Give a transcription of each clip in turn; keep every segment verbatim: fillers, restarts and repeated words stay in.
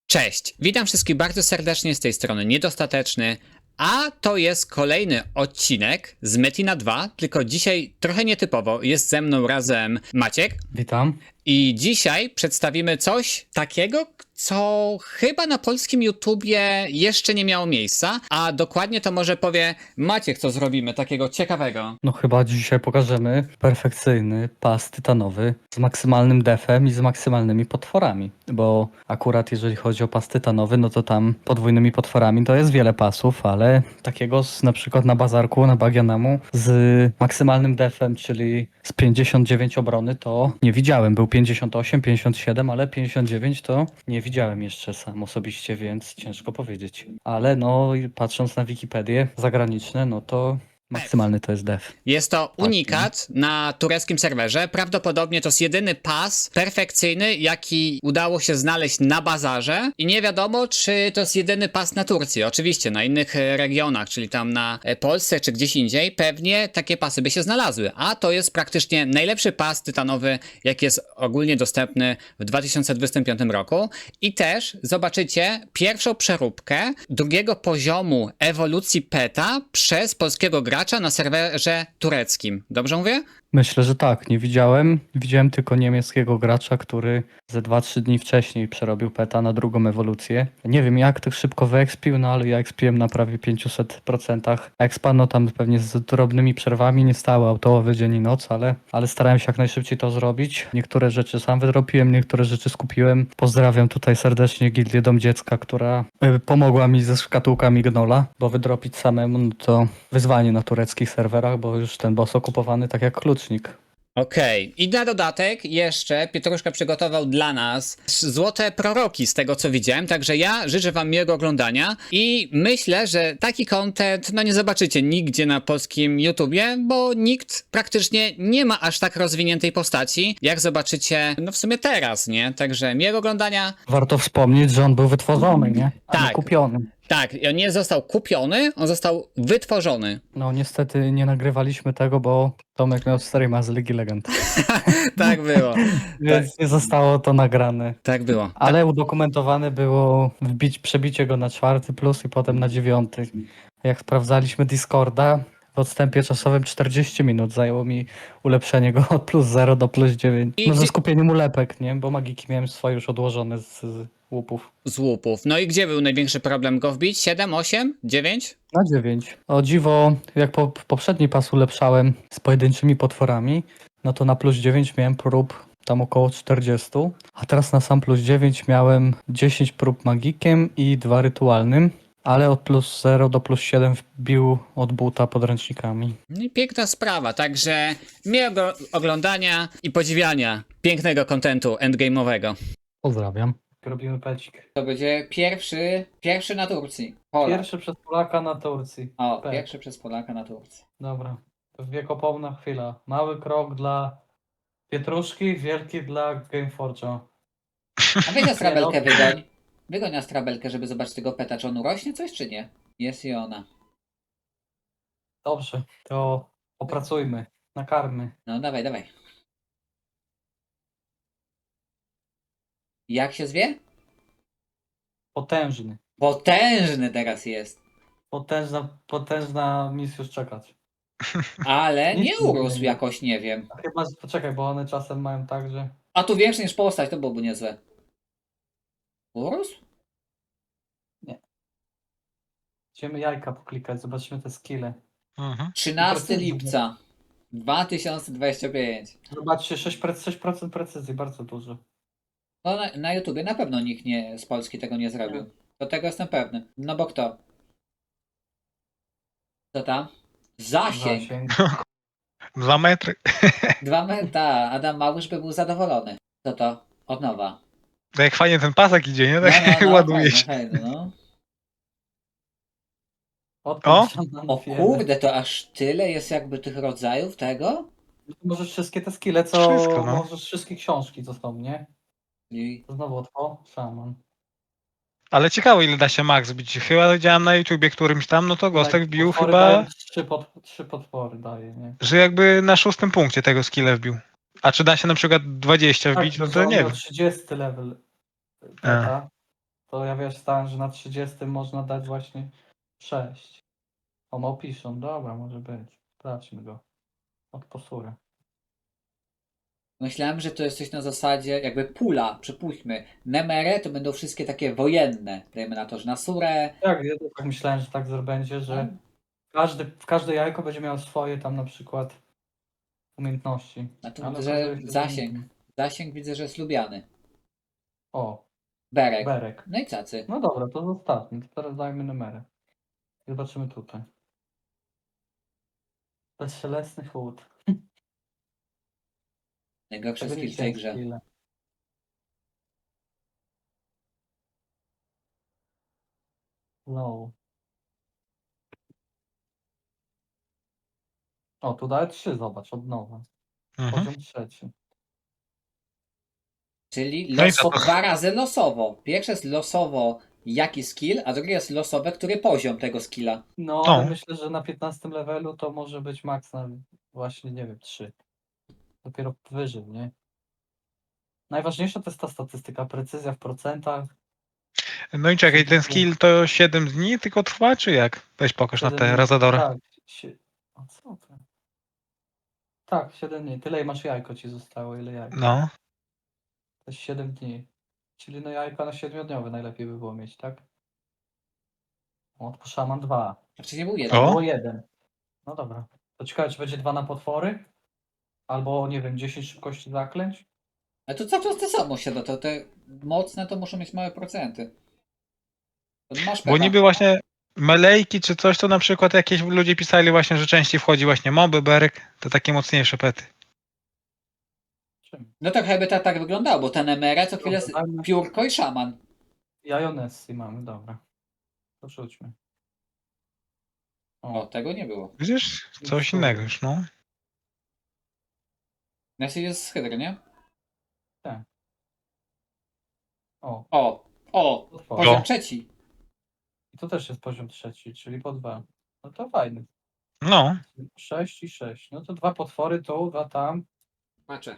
Cześć, witam wszystkich bardzo serdecznie z tej strony Niedostateczny, a to jest kolejny odcinek z Metina dwa, tylko dzisiaj trochę nietypowo, jest ze mną razem Maciek Witam. i dzisiaj przedstawimy coś takiego, co chyba na polskim YouTubie jeszcze nie miało miejsca, a dokładnie to może powie Maciek, co zrobimy takiego ciekawego. No chyba dzisiaj pokażemy perfekcyjny pas tytanowy z maksymalnym defem i z maksymalnymi potworami, bo akurat jeżeli chodzi o pas tytanowy, no to tam podwójnymi potworami to jest wiele pasów, ale takiego z, na przykład na bazarku, na Bagianamu z maksymalnym defem, czyli z pięćdziesiąt dziewięć obrony to nie widziałem. Był pięćdziesiąt osiem, pięćdziesiąt siedem, ale pięćdziesiąt dziewięć to nie widziałem jeszcze sam osobiście, więc ciężko powiedzieć. Ale no i patrząc na Wikipedię zagraniczne, no to maksymalny to jest def. Jest to unikat na tureckim serwerze. Prawdopodobnie to jest jedyny pas perfekcyjny, jaki udało się znaleźć na bazarze. I nie wiadomo, czy to jest jedyny pas na Turcji. Oczywiście na innych e, regionach, czyli tam na e, Polsce czy gdzieś indziej, pewnie takie pasy by się znalazły. A to jest praktycznie najlepszy pas tytanowy, jaki jest ogólnie dostępny w dwa tysiące dwudziestym piątym roku. I też zobaczycie pierwszą przeróbkę drugiego poziomu ewolucji peta przez polskiego gracza na serwerze tureckim. Dobrze mówię? Myślę, że tak. Nie widziałem. Widziałem tylko niemieckiego gracza, który ze dwa trzy dni wcześniej przerobił peta na drugą ewolucję. Nie wiem jak tak szybko wyekspił, no ale ja ekspiłem na prawie pięćset procent expa, no tam pewnie z drobnymi przerwami, nie stały autołowy dzień i noc, ale, ale starałem się jak najszybciej to zrobić. Niektóre rzeczy sam wydropiłem, niektóre rzeczy skupiłem. Pozdrawiam tutaj serdecznie Gildię Dom Dziecka, która y, pomogła mi ze szkatułkami Gnola, bo wydropić samemu no to wyzwanie na tureckich serwerach, bo już ten boss okupowany tak jak klucznik. Okej, i na dodatek jeszcze Pietruszka przygotował dla nas złote proroki z tego co widziałem, także ja życzę wam miłego oglądania i myślę, że taki content no nie zobaczycie nigdzie na polskim YouTubie, bo nikt praktycznie nie ma aż tak rozwiniętej postaci, jak zobaczycie no w sumie teraz, nie? Także miłego oglądania. Warto wspomnieć, że on był wytworzony, nie? A nie Tak. kupiony. Tak, on nie został kupiony, on został wytworzony. No niestety nie nagrywaliśmy tego, bo Tomek miał streama z Ligi Legend. Tak było, Więc nie zostało to nagrane. tak było. Ale udokumentowane było wbić, przebicie go na czwarty plus i potem na dziewiąty. Jak sprawdzaliśmy Discorda, w odstępie czasowym czterdzieści minut zajęło mi ulepszenie go od plus zero do plus dziewięć. I No ze gdzie- skupieniem ulepek, nie? Bo magiki miałem swoje już odłożone z, z łupów. Z łupów. No i gdzie był największy problem go wbić? siedem, osiem, dziewięć? Na dziewięć. O dziwo, jak po, poprzedni pas ulepszałem z pojedynczymi potworami, no to na plus dziewięć miałem prób tam około czterdzieści, a teraz na sam plus dziewięć miałem dziesięć prób magikiem i dwa rytualnym, ale od plus zero do plus siedem wbił od buta podręcznikami. No i piękna sprawa, także miłego oglądania i podziwiania pięknego kontentu endgame'owego. Pozdrawiam. Robimy pecik. To będzie pierwszy, pierwszy na Turcji. Pierwszy przez Polaka na Turcji. O, Pek. pierwszy przez Polaka na Turcji. Dobra. To wiekopomna chwila. Mały krok dla Pietruszki, wielki dla Gameforge'a. A weź Astrabelkę no. wygoń. Wygoń Astrabelkę, żeby zobaczyć tego peta, czy on urośnie coś, czy nie? Jest i ona. Dobrze, to opracujmy, nakarmy. No dawaj, dawaj. Jak się zwie? Potężny. Potężny teraz jest. Potężna, potężna misja czekać. Ale Nic nie nie urósł zmieni. jakoś, nie wiem. Chyba, że poczekaj, bo one czasem mają tak, że... A tu większy niż postać, to byłoby niezłe. Urósł? Idziemy jajka poklikać, zobaczymy te skille. Mhm. trzynastego Precyzja. lipca dwa tysiące dwudziesty piąty. Zobaczcie, sześć procent, sześć procent precyzji, bardzo dużo. No na, na YouTubie na pewno nikt nie, z Polski tego nie zrobił. Do tego jestem pewny. No bo kto? Co tam? Zasięg! Zasięg. Dwa metry. Dwa metra. Adam Małysz by był zadowolony. Co to? Od nowa. To jak fajnie ten pasek idzie, nie? No, Tak no, no, ładuje fajne, się. fajne, no. Odkąd O! nam O wiemy. kurde, to aż tyle jest jakby tych rodzajów tego? Możesz wszystkie te skille, co... Wszystko, no. Możesz wszystkie książki, co są, nie? I To znowu o, szaman. Ale ciekawe ile da się max bić. Chyba widziałem na YouTubie którymś tam, no to Gostek wbił Potwory chyba, dają Trzy, pod, trzy potwory daje, nie? że jakby na szóstym punkcie tego skilla wbił. A czy da się na przykład dwadzieścia wbić, no że to on nie miał wiem. trzydziesty level peta. To ja wiesz, stałem, że na trzydziestym można dać właśnie sześć. O, no piszą, dobra, może być. Sprawdźmy go. Od posura. Myślałem, że to jest coś na zasadzie jakby pula, przypuśćmy. Nemere to będą wszystkie takie wojenne. Dajmy na to, że na Surę. Tak, ja też tak myślałem, że tak będzie, że każdy, w każde jajko będzie miało swoje tam na przykład umiejętności. A tu Ale widzę, że okazuje się, że zasięg. nie. Zasięg widzę, że jest lubiany. O, Berek. berek. No i cacy. No dobra, to zostawmy. To teraz dajmy numery. I zobaczymy tutaj. Bezszelestny chłód. Najgorszy Tego nie skill w tej widziałem grze. skilla. Low. O, tu daje trzy, zobacz, od nowa. Mhm. Poziom trzeci. Czyli No i loso, to- to- dwa razy losowo. Pierwsze jest losowo jaki skill, a drugie jest losowe, który poziom tego skilla. No, No. ale myślę, że na piętnastym levelu to może być maks na właśnie, nie wiem, trzy. Dopiero wyżej, nie? Najważniejsza to jest ta statystyka, precyzja w procentach. No i czekaj, ten skill to siedem dni tylko trwa, czy jak? Weź pokaż na siedem te dni. Razadory. Tak, sie... A co to? Tak, siedem dni. Tyle masz jajko ci zostało, ile jajko. No. To jest siedem dni. Czyli no jajka na siedmiodniowe najlepiej by było mieć, tak? O, to szaman dwa. Znaczy nie był O. jeden. Było jeden. No dobra. To ciekawe, czy będzie dwa na potwory? Albo, nie wiem, dziesięć szybkości zaklęć? Ale to cały czas te samo się do to te mocne to muszą mieć małe procenty. To masz Bo pecha. niby właśnie melejki czy coś, to na przykład jakieś ludzie pisali właśnie, że częściej wchodzi właśnie moby, berek, to takie mocniejsze pety. Czym? No to chyba tak, tak wyglądało, bo ten Emere co chwilę jest Dobra, piórko i szaman. Jajonessi mamy, dobra. To rzućmy. O, tego nie było. Widzisz? Coś Miksturę. innego już, no. Nessie jest z hydry, nie? O, O, o, potwory. poziom O. trzeci. I tu też jest poziom trzeci, czyli po dwa. No to fajny. No. sześć i sześć. No to dwa potwory tu, dwa tam. Patrzę.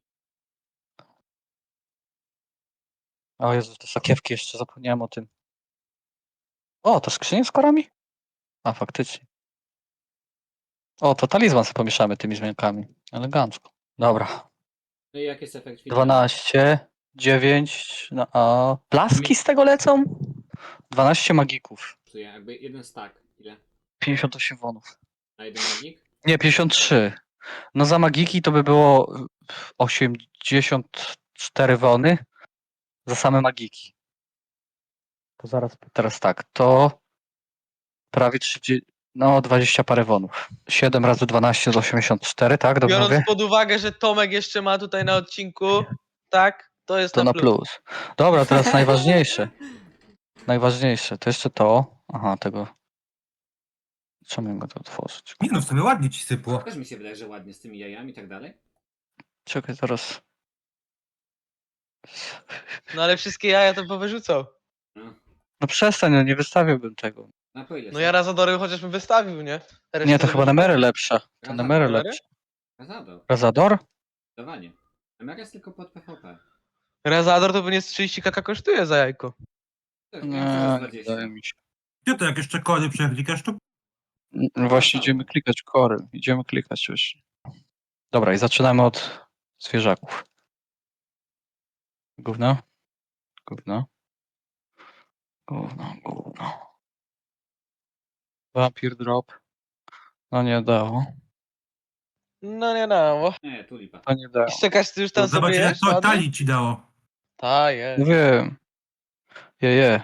O Jezu, te sakiewki jeszcze zapomniałem o tym. O, to skrzynie z korami? A, faktycznie. O, to talizman sobie pomieszamy tymi zmiankami. Elegancko. Dobra. No i jaki jest efekt finalny? dwanaście, dziewięć, no a blaski z tego lecą? dwanaście magików. Czuję jakby jeden stack. Ile? pięćdziesiąt osiem wonów. Na jeden magik? Nie, pięćdziesiąt trzy. No za magiki to by było osiemdziesiąt cztery wony. Za same magiki. To zaraz, teraz tak, to prawie trzydzieści, no dwadzieścia parę wonów. siedem razy dwanaście to osiemdziesiąt cztery, tak? Dobrze Biorąc mówię? pod uwagę, że Tomek jeszcze ma tutaj na odcinku, tak, to jest To na na plus. plus. Dobra, teraz najważniejsze. Najważniejsze, to jeszcze to. Aha, tego. Czemu mogę to otworzyć? Nie no, w sumie ładnie ci sypło. Też mi się wydaje, że ładnie z tymi jajami i tak dalej. Czekaj, zaraz. No ale wszystkie jaja to powyrzucał. No przestań, no nie wystawiłbym tego. Na po ile No są? ja Razadory chociażbym wystawił, nie? Resztę Nie, to chyba wyrzucił. Nemery lepsza. To Razador. Nemery Nemery? lepsza. Razador. Razador? Dawanie. Emere jest tylko pod P V P. Razador to pewnie z trzydzieści kaka kosztuje za jajko. To jest więcej za Nie, dwadzieścia. wydaje mi się. Ty to jak jeszcze kody przeklikasz, to No właśnie idziemy klikać kory. Idziemy klikać już. Dobra, i zaczynamy od zwierzaków. Gówno. Gówno. Gówno, gówno. Vampir drop. No nie dało. No nie no, Nie, tulipa. To nie dało. i czekasz, ty już tam zobacz sobie ile jesz to ładnie? talii ci dało. Ta, jest. No wiem. Je, je.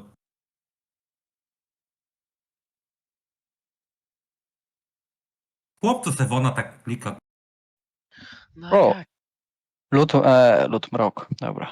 Chłop co Sewona tak klika. No O. jak? Lód, e, lód mrok. Dobra.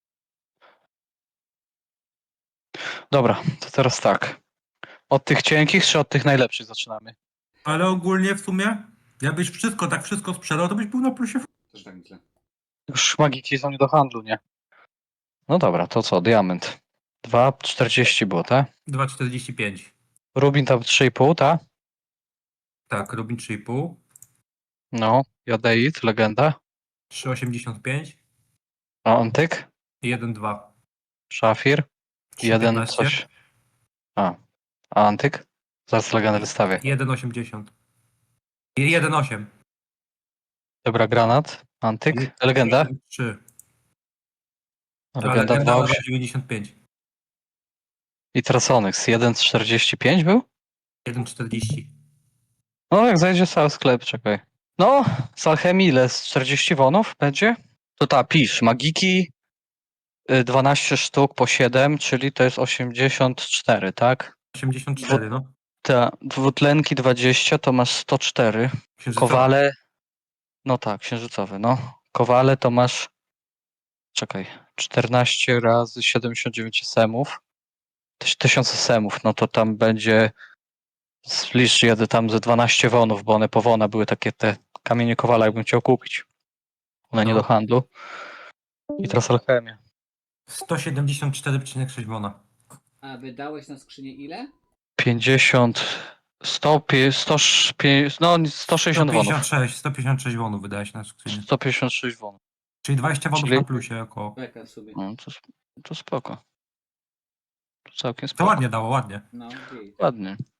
Dobra, to teraz tak. Od tych cienkich czy od tych najlepszych zaczynamy? Ale ogólnie w sumie, jakbyś wszystko, tak wszystko sprzedał, to byś był na plusie. Też tak myślę. Już magiki są nie do handlu, nie? No dobra, to co? Diament. dwa czterdzieści było, tak? dwa czterdzieści pięć. Rubin tam trzy i pół, tak? Tak, Rubin trzy i pół. No. Jadeit, legenda. trzy osiemdziesiąt pięć. A antyk? I jeden dwa. Szafir. Jeden piętnaście. coś. A. A antyk? Zaraz legendę wystawię. jeden osiemdziesiąt. jeden osiem. Dobra, granat. Antyk. Legenda. trzy. A Legenda legenda dwa na osiem. dziewięćdziesiąt pięć. I Trasonyx. jeden czterdzieści pięć był? jeden czterdzieści. No, jak zajdzie cały sklep, czekaj. No, z alchemii ile? Z czterdzieści wonów będzie? To ta, pisz. Magiki y, dwanaście sztuk po siedem, czyli to jest osiemdziesiąt cztery, tak? osiemdziesiąt cztery, no. Ta, dwutlenki dwadzieścia to masz sto cztery. Księżycowy. Kowale. No tak, księżycowy, no. Kowale to masz. Czekaj. czternaście razy siedemdziesiąt dziewięć semów. Tyś- tysiąc semów, no to tam będzie. Zlicz jedę tam ze dwanaście wonów, bo one po wona były takie te kamienie kowala, jakbym chciał kupić. One nie No. do handlu. I teraz alchemia. sto siedemdziesiąt cztery przecinek sześć wona. A wydałeś na skrzynię ile? pięćdziesiąt. sto, sto, no sto sześćdziesiąt wonów. sto pięćdziesiąt sześć, sto pięćdziesiąt sześć wonów wydałeś na skrzynię. sto pięćdziesiąt sześć wonów. Czyli dwadzieścia wonów Czyli- na plusie około. Czekaj sobie. No, to, to spoko. To całkiem To spoko. ładnie dało, ładnie. No, git. Ładnie.